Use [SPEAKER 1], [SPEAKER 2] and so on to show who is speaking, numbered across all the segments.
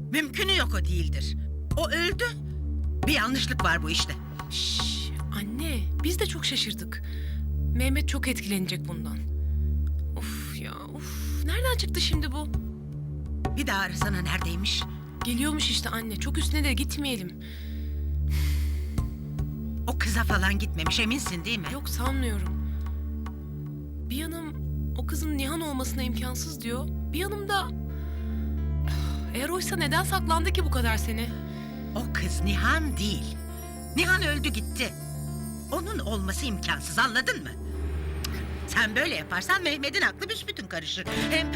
[SPEAKER 1] Mümkünü yok, o değildir. O öldü. Bir yanlışlık var bu işte.
[SPEAKER 2] Şşş, anne, biz de çok şaşırdık. Mehmet çok etkilenecek bundan. Of ya, of. Nereden çıktı şimdi bu?
[SPEAKER 1] Bir daha arasana, neredeymiş?
[SPEAKER 2] Geliyormuş işte anne. Çok üstüne de gitmeyelim.
[SPEAKER 1] O kıza falan gitmemiş, eminsin değil mi?
[SPEAKER 2] Yok, sanmıyorum. Bir yanım o kızın Nihan olmasına imkansız diyor. Bir yanım da... Eğer oysa neden saklandı ki bu kadar sene?
[SPEAKER 1] O kız Nihan değil. Nihan öldü gitti. Onun olması imkansız, anladın mı? Sen böyle yaparsan Mehmet'in aklı büsbütün karışır. Hem...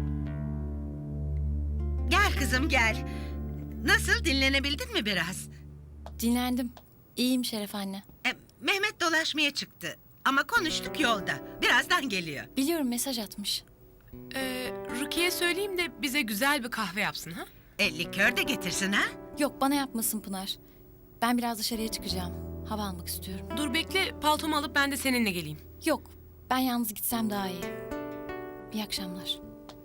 [SPEAKER 1] Gel kızım gel. Nasıl, dinlenebildin mi biraz?
[SPEAKER 3] Dinlendim. İyiyim Şeref anne.
[SPEAKER 1] Mehmet dolaşmaya çıktı. Ama konuştuk yolda. Birazdan geliyor.
[SPEAKER 3] Biliyorum, mesaj atmış.
[SPEAKER 2] Rukiye söyleyeyim de bize güzel bir kahve yapsın ha?
[SPEAKER 1] Likör de getirsin ha?
[SPEAKER 3] Yok, bana yapmasın Pınar. Ben biraz dışarıya çıkacağım. Hava almak istiyorum.
[SPEAKER 2] Dur bekle, paltomu alıp ben de seninle geleyim.
[SPEAKER 3] Yok, ben yalnız gitsem daha iyi. İyi akşamlar.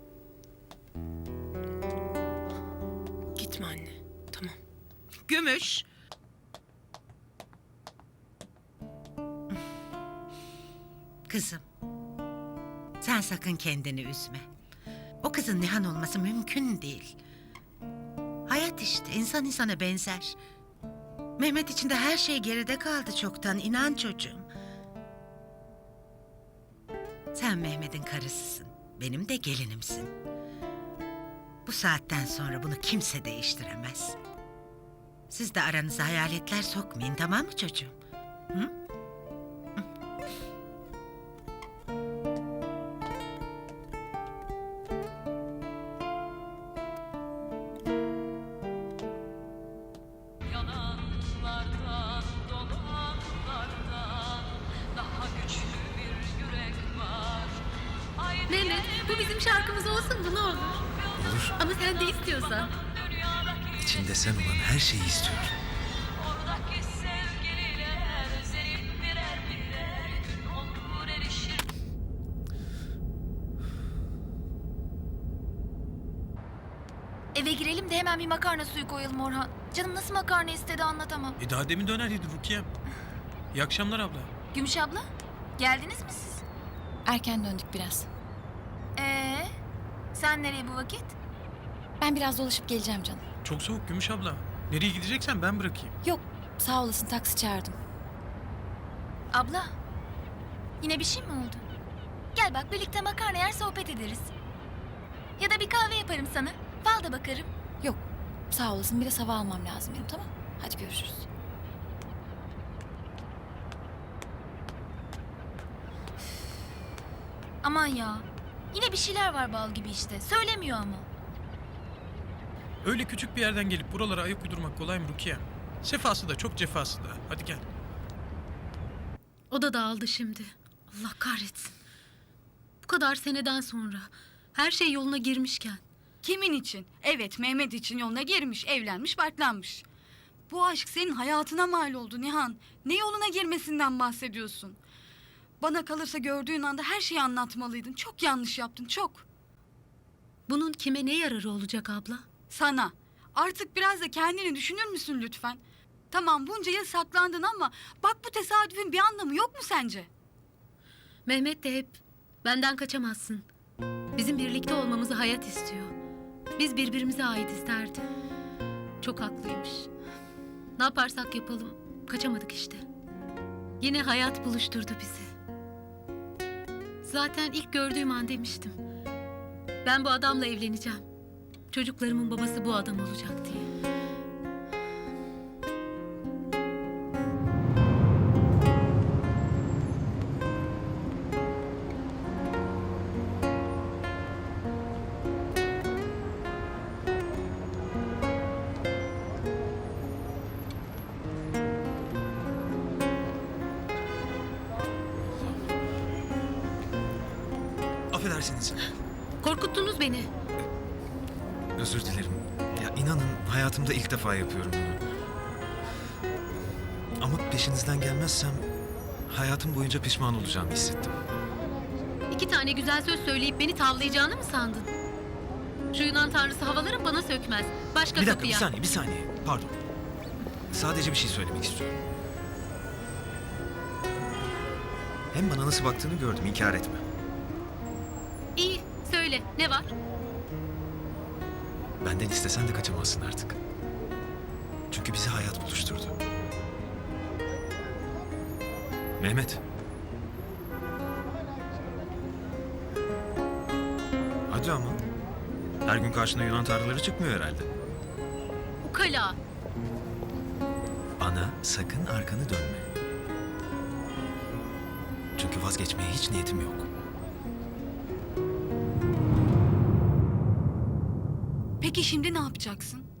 [SPEAKER 2] Gitme anne, tamam.
[SPEAKER 1] Gümüş. Kızım. Sen sakın kendini üzme. O kızın Nihan olması mümkün değil. Hayat işte, insan insana benzer. Mehmet için de her şey geride kaldı çoktan, inan çocuğum. Sen Mehmet'in karısısın, benim de gelinimsin. Bu saatten sonra bunu kimse değiştiremez. Siz de aranıza hayaletler sokmayın, tamam mı çocuğum? Hı?
[SPEAKER 4] Yalanlardan, dolanlardan daha güçlü bir yürek var.
[SPEAKER 5] Mehmet, bu bizim şarkımız olsun mu, ne olur?
[SPEAKER 6] Olur.
[SPEAKER 5] Ama sen de istiyorsan.
[SPEAKER 6] İçinde sen olan her şeyi istiyorum.
[SPEAKER 4] Oradaki sevgililer senin birer birer gün olur erişir.
[SPEAKER 7] Eve girelim de hemen bir makarna suyu koyalım Orhan. Canım nasıl makarna istedi anlatamam.
[SPEAKER 8] Daha demin döner yedi Rukiye'm. İyi akşamlar abla.
[SPEAKER 7] Gümüş abla, geldiniz mi siz?
[SPEAKER 3] Erken döndük biraz.
[SPEAKER 7] Sen nereye bu vakit?
[SPEAKER 3] Ben biraz dolaşıp geleceğim canım.
[SPEAKER 8] Çok soğuk Gümüş abla. Nereye gideceksen ben bırakayım.
[SPEAKER 3] Yok, sağ olasın, taksi çağırdım.
[SPEAKER 7] Abla, yine bir şey mi oldu? Gel bak, birlikte makarna yer sohbet ederiz. Ya da bir kahve yaparım sana. Fal da bakarım.
[SPEAKER 3] Yok, sağ olasın, biraz hava almam lazım benim, tamam? Hadi görüşürüz.
[SPEAKER 7] Aman ya, yine bir şeyler var bal gibi işte. Söylemiyor ama.
[SPEAKER 8] Öyle küçük bir yerden gelip buralara ayak uydurmak kolay mı Rukiye'm? Sefası da çok cefası da. Hadi gel.
[SPEAKER 5] O da dağıldı şimdi. Allah kahretsin. Bu kadar seneden sonra her şey yoluna girmişken.
[SPEAKER 9] Kimin için? Evet, Mehmet için yoluna girmiş, evlenmiş, barklanmış. Bu aşk senin hayatına mal oldu Nihan. Ne yoluna girmesinden bahsediyorsun? Bana kalırsa gördüğün anda her şeyi anlatmalıydın. Çok yanlış yaptın, çok.
[SPEAKER 5] Bunun kime ne yararı olacak abla?
[SPEAKER 9] Sana. Artık biraz da kendini düşünür müsün lütfen? Tamam, bunca yıl saklandın ama bak bu tesadüfün bir anlamı yok mu sence?
[SPEAKER 5] Mehmet de hep benden kaçamazsın. Bizim birlikte olmamızı hayat istiyor. Biz birbirimize ait isterdi. Çok haklıymış. Ne yaparsak yapalım kaçamadık işte. Yine hayat buluşturdu bizi. Zaten ilk gördüğüm an demiştim. Ben bu adamla evleneceğim. Çocuklarımın babası bu adam olacak diye.
[SPEAKER 6] Affedersiniz.
[SPEAKER 5] Korkuttunuz beni.
[SPEAKER 6] Özür dilerim. Ya inanın hayatımda ilk defa yapıyorum bunu. Ama peşinizden gelmezsem hayatım boyunca pişman olacağımı hissettim.
[SPEAKER 5] 2 tane güzel söz söyleyip beni tavlayacağını mı sandın? Şu Yunan tanrısı havaların bana sökmez. vazgeçmez. Başka
[SPEAKER 6] Bir dakika,
[SPEAKER 5] kapıya.
[SPEAKER 6] bir saniye. Pardon. Sadece bir şey söylemek istiyorum. Hem bana nasıl baktığını gördüm, inkar etme.
[SPEAKER 5] İyi, söyle. Ne var?
[SPEAKER 6] Benden istesen de kaçamazsın artık. Çünkü bizi hayat buluşturdu. Mehmet. Hadi ama. Her gün karşına Yunan tanrıları çıkmıyor herhalde.
[SPEAKER 5] Ukala.
[SPEAKER 6] Bana sakın arkanı dönme. Çünkü vazgeçmeye hiç niyetim yok.
[SPEAKER 9] Peki şimdi ne yapacaksın?